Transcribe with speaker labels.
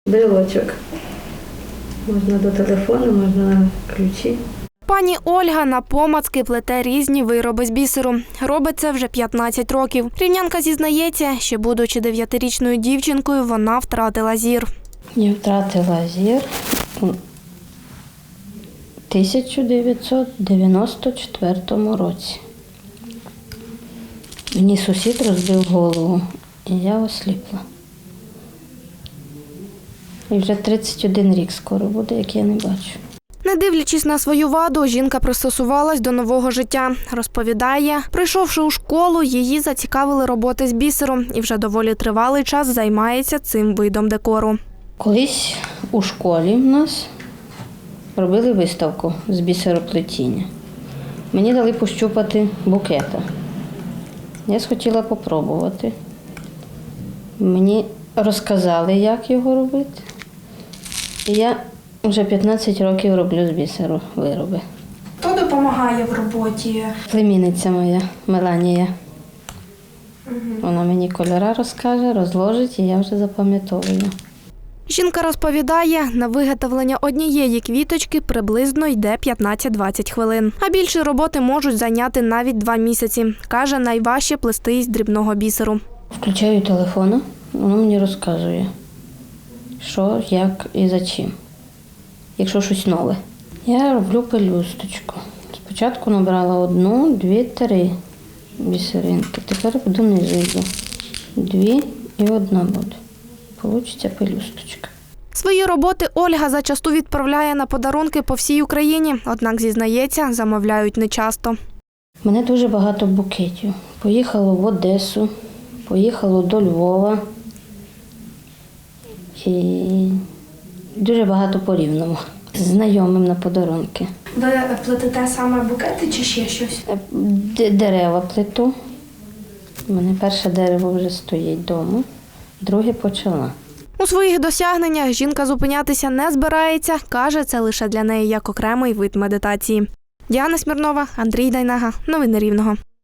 Speaker 1: Брелочок. Можна до телефону, можна на ключі.
Speaker 2: Пані Ольга напомацки плете різні вироби з бісеру. Робить це вже 15 років. Рівнянка зізнається, ще будучи 9-річною дівчинкою, вона втратила зір.
Speaker 1: Я втратила зір у 1994 році. Мені сусід розбив голову, і я осліпла. І вже 31 рік скоро буде, як я не бачу.
Speaker 2: Не дивлячись на свою ваду, жінка пристосувалась до нового життя. Розповідає, прийшовши у школу, її зацікавили роботи з бісером і вже доволі тривалий час займається цим видом декору.
Speaker 1: Колись у школі в нас робили виставку з бісероплетіння. Мені дали пощупати букета. Я схотіла попробувати. Мені розказали, як його робити. І я вже 15 років роблю з бісеру вироби.
Speaker 2: Хто допомагає в роботі?
Speaker 1: Племінниця моя, Меланія. Вона мені кольори розкаже, розложить, і я вже запам'ятовую.
Speaker 2: Жінка розповідає, на виготовлення однієї квіточки приблизно йде 15-20 хвилин. А більше роботи можуть зайняти навіть 2 місяці. Каже, найважче плести із дрібного бісеру.
Speaker 1: Включаю телефон, воно мені розказує, що, як і за чим. Якщо щось нове. Я роблю пелюсточку. Спочатку набрала 1, 2, 3 бісеринки. Тепер буду низу. 2 і 1 буде. Получиться пелюсточка.
Speaker 2: Свої роботи Ольга зачасту відправляє на подарунки по всій Україні, однак, зізнається, замовляють нечасто.
Speaker 1: У мене дуже багато букетів. Поїхало в Одесу, поїхало до Львова. І дуже багато по Рівному. Знайомим на подарунки.
Speaker 2: Ви плетете саме букети чи ще щось?
Speaker 1: Дерева плету. У мене перше дерево вже стоїть вдома, друге почала.
Speaker 2: У своїх досягненнях жінка зупинятися не збирається. Каже, це лише для неї як окремий вид медитації. Діана Смірнова, Андрій Дайнага. Новини Рівного.